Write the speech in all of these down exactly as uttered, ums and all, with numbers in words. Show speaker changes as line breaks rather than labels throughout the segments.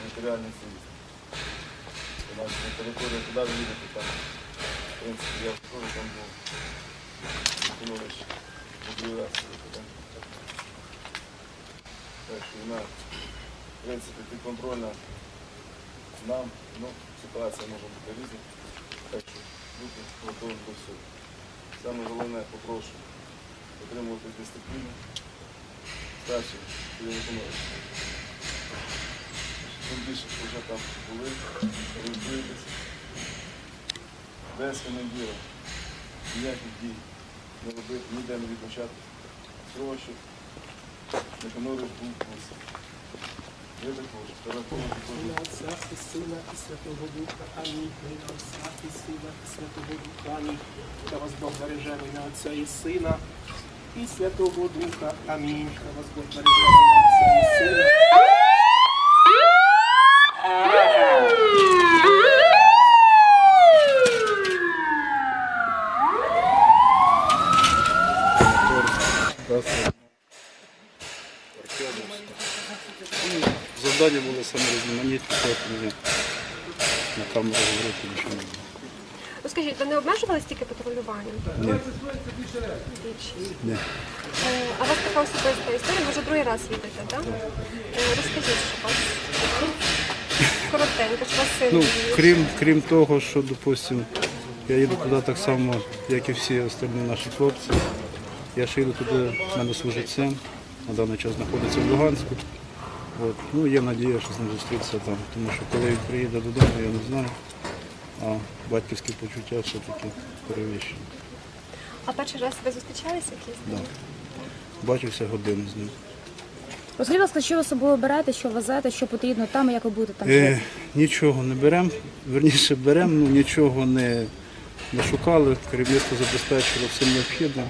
територіальної цілісності. Значить, на території, куди ви їдете, там, в принципі, я скажу, там був Антонович мобілізації. Так що вона, в принципі, підконтрольна нам, ну, ситуація може бути різна. Так що бути готовим до всього. Саме головне, попрошу отримувати дисципліну. Старший Антонович. Тим більше, що вже там були, орієнтуєтеся. Без командира ніяких дій не робити, ніде не відмічати. Всього, щоб Антонович був в курсі. Ви також, перераховувати
Ім'я Отця і Сина і Святого Духа. Амінь. Ім'я Отця і Сина і Святого Духа. Амінь. Та вас Бог береже в ім'я Отця і Сина і Святого Духа. Амінь. Та вас Бог береже в ім'я Отця і Сина.
Завдання було саме різноманітне, тому на камеру говорити нічого не було.
Ну скажіть, ви не обмежувалися тільки патрулюванням?
Ні.
Двічі.
Ні.
Е, А у вас така особиста історія, ви вже другий раз їдете, так? Е, Розкажіть, що у вас коротенько, що у вас син
Ну,
їде?
крім, крім того, що, допустим, я їду туди так само, як і всі остальні наші хлопці. Я ж їду туди, в мене служить син, на даний час знаходиться в Луганську. От. Ну, є надія, що з ним зустрітися там, тому що коли він приїде додому, я не знаю, а батьківські почуття все-таки перевищені.
А перший раз ви зустрічалися якісь?
Да. Бачився годину з ним.
Розкажіть, будь ласка, що ви з собою берете, що везете, що потрібно там і як ви будете там
Е,
жити?
нічого не беремо, верніше беремо, ну нічого не, не шукали, керівництво забезпечило всім необхідним.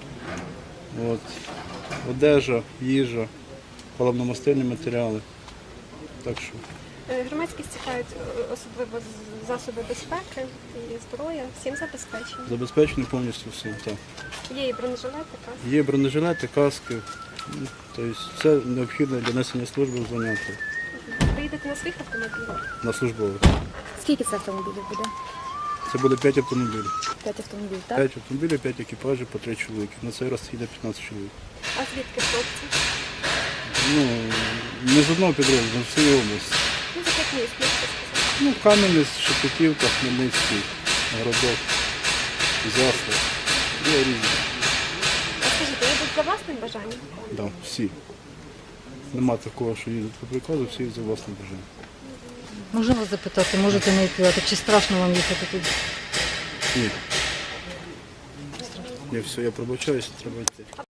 От. Одежа, їжа, паливно-мастильні матеріали. Так що
Е, Громадськість цікавить е, особливо з- засоби безпеки і зброя, всім забезпечені.
забезпечено повністю всім. Так.
Є і бронежилети, каски.
Є бронежилети, каски, ну, тобто все необхідне для несення служби в заняття
Ви їдете на своїх автомобілях?
на службових.
Скільки це автомобілів буде?
Це буде п'ять автомобілів.
П'ять автомобілів, так?
п'ять автомобілів, п'ять екіпажів по три чоловіки. На цей раз їде п'ятнадцять чоловік.
А звідки хлопці?
Ну, не з одного підрозділу, з всієї області.
Ну, з яких міст, можете сказати?
Ну, Кам'янець, Шепетівка, Хмельницький, Городок, Заслав. Є різні.
А скажіть, ви йдуть за власним бажанням?
Да, всі. Нема такого, що їдуть по приказу, всі за власним бажанням.
Можна вас запитати, можете не відповідати, чи страшно вам їхати туди?
Ні. Ні, все, я пробачаюся, треба йти.